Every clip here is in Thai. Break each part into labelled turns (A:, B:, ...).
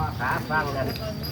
A: ขาฟังนั่น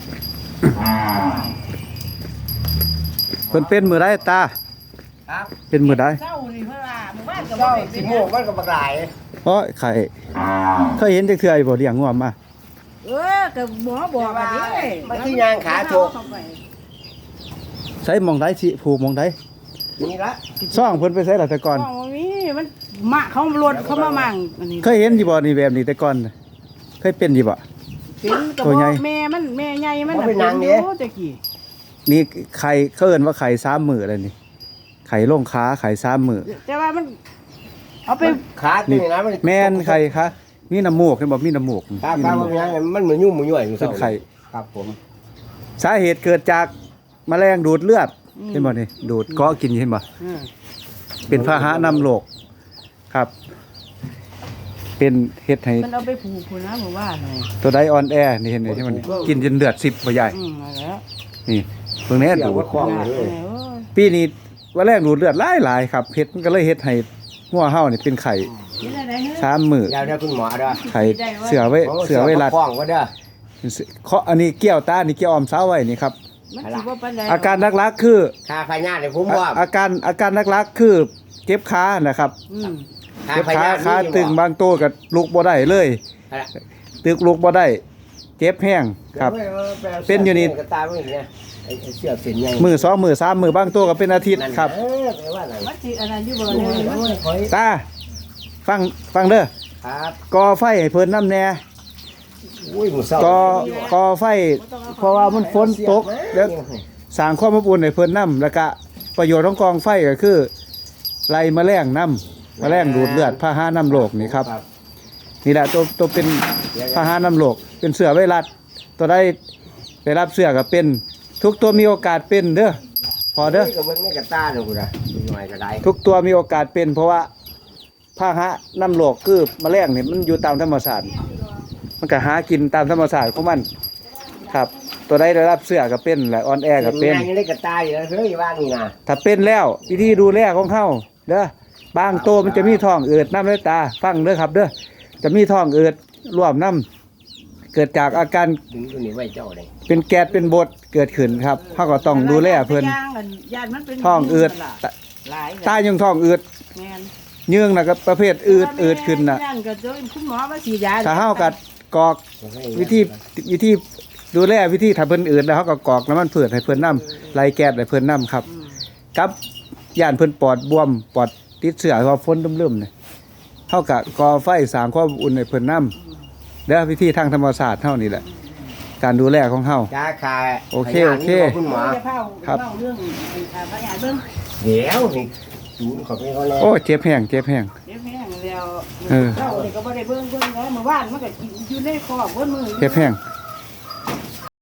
B: เพิ่นเป็นมือได้ตา
A: ครับ
B: เป็นมือได้
C: เจ้านี่เพิ่นว่าหมู่บ้านก็บ่
A: เจ้า
C: ได้เป็
A: สิ
C: น
A: โมงมันก็บักหลาย
B: เพราะไข่เคยเห็นจักเทื่อบ่เลี้ยงงัวมา
C: ก็หมอบอกว่าดิ
A: มันคือยางขาโถก
B: ใช้หมองได้สิผูกหมองได้
A: นี่ละ
B: ซ่องเพิ่นไปใช้ล่ะแต่ก่อน
C: ของมีมันมะเขารถเขามามั่งอันนี้
B: เคยเห็นอยู่บ่นี่แบบนี้แต่ก่อนน่ะเคยเป็นอยู่บ่
C: เป็นกระ
B: ตัว
C: บ
B: ใหญ่
C: อกแม่มันแม่ใหญ่มันน่ะเป็นอยู่ตะกี้
B: นี่ไข่เขาเอิ้นว่าไข่3มื้ออะไรนี่ไข่ลงขาไข่3มื้อ
C: แต่ว่ามันเอาไป
A: ขาตัวนี้นะมัน
B: แม่นไข่คะมีน้ำมูกเห็นบ่มีน้ำมูก
A: ขา
B: มี
A: ปลา
B: น้ำมู
A: มัน
B: ก
A: ยังมันเหมือนยุ่มเหมือนย่อยอยู่
B: เป็นไข่
A: ครับผม
B: สาเหตุเกิดจากแมลงดูดเลือดเห็นบ่นี่ดูดเกาะกินเห็นบ่
C: อืม
B: เป็นพาหะนำโรคครับ เป็นเฮ็ดให้
C: มันเอาไปผูกพุ่นนะหมู่บ้านนี่
B: ตัวใดอ่อนแอนี่เห็นไหมใช่ไหมนี่กินจนเลือด10บ่ใหญ่
C: นั่นแหละ
B: นี่เบิ่งแน่
A: เสีย
B: ดู
A: ว่า
B: ด
A: คล้อง
C: โอ้
A: เลย
C: ย
B: ปีนี้ว่าแรงดูดเลือดหลายๆครับเฮ็ดมันก็เลยเฮ็ดให้หัวเฮานี่เป็นไข่
C: เห็นอะไรเฮ้ย
B: 3มื้อ
A: เดี๋ยวคุณหมอเด้อ
B: ไข่เสือไว้รัด
A: คล้องก็เด้อ
B: เคาะอันนี้เกี่ยวตานี่เกี่ยวออมเสาไว้นี่ครับ
C: มันสิบ่ปานใด
B: อาการหลักๆคือ
A: ค่าพญาติผมว่า
B: อาการหลักๆคือเจ็บขานะครับ
C: อืม
A: ค่า
B: เจ็บ
A: พ
B: ขา
A: ญาติ
B: ขาตึงบางตัวก็ลุกบ่ได้เลยตึกลุกบ่ได้เจ็บแห้งครับ เป็นอยู่นี่
A: กระตาไม่เนี่ยไอ้เสือเส้นใหญ่
B: มือ2มือ3มือบางตัวก็เป็นอาทิตย์ครับ
A: แปลว่าอะไร
C: มันสิอันนั้นอยู่บ่
A: โอ้
C: เนี่ย
A: ยโอ้ย
B: ตาฟังเด้อ
A: ครับ
B: ก่อไฟให้เพิ่นน้ำแน่
A: อุ้ยหมูเศร้า
B: ก่อไฟเพราะว่ามันฝนตกแล้วสร้างความอบอุ่นให้เพิ่นน้ำแล้วก็ประโยชน์ของกองไฟก็คือไล่แมลงน้ำแมลงดูดเลือดพาหะน้ำโรคนี่ครับนี่แหละตัวเป็นพาหะน้ำโรคเป็นเสือไวรัสตัวได้ได้รับเสือก็เป็นทุกตัวมีโอกาสเป็นเด้อพอเด้อ
A: กับเบิ้งนี่กระตาเด้อกูนะมีหน่อยก็ได้
B: ทุกตัวมีโอกาสเป็น เพราะว่าพาหะน้ำโรคคือแมลงนี่มันอยู่ตามธรรมชาติมันก็หากินตามธรรมชาติของมันครับ ตัวใดได้รับเสือก็เป็นและอ่อนแอก็เป็น
A: ยังได้กระตาอยู่แล้วเฮ้ยว่านี่นะ
B: ถ้าเป็นแล้ววิธีดูแลของเขาเด้อบางตัวมันจะมีท้องอืดน้ำในตาฟังเด้อครับ เด้อจะมีท้องอืดร่วมน้ำเกิดจากอาการ
A: ดึงตัวนี้ไว้เจ้าเลย
B: เป็นแก๊สเป็นบดเกิดขึ้นครับเขาก็ต้องดูแลเพิ่น
C: ย่างกันญาติมันเป็น
B: ท้องอืด
C: หลาย
B: ตายังท้องอืด
C: แม่น
B: เยื่องน่ะก็ประเภทอืดขึ้นน่ะ
C: ย่างก็เจอคุณหมอมาฉีดยา
B: ถ้าเฮากัดกอกวิธีดูแลวิธีถ้าเพิ่นอืดแล้วเฮาก็กอกน้ำมันพืชให้เพิ่นน้ำไล่แก๊สให้เพิ่นน้ำครับ กับย่านเพิ่นปอดบวมปอดติดเชื้อเพราะฝนลุ่มๆนี่เฮาก็ก่อไฟสร้างความอุ่นให้เพิ่นน้ำเด้อวิธีทางธรรมชาติเฮานี่แหละการดูแลของเฮา
A: จ้าคา
B: โอเคโอเค
A: คุณหมอ
B: ครับ
C: เรื่องพยาเบิ่ง
A: เดี๋ยวนี่ศูนย์ขอเป็นเขาแล้ว
B: โอ้เจ็บแห้งเจ็บแห้ง
C: เดี๋ยวแห้งแล้ว
B: เออ
C: เจ้านี่ก็บ่ได้เบิ่งแล้วเมื่อวานมันก็กินอยู่ในคอกเบิ่นมือ
B: เจ็บแห้ง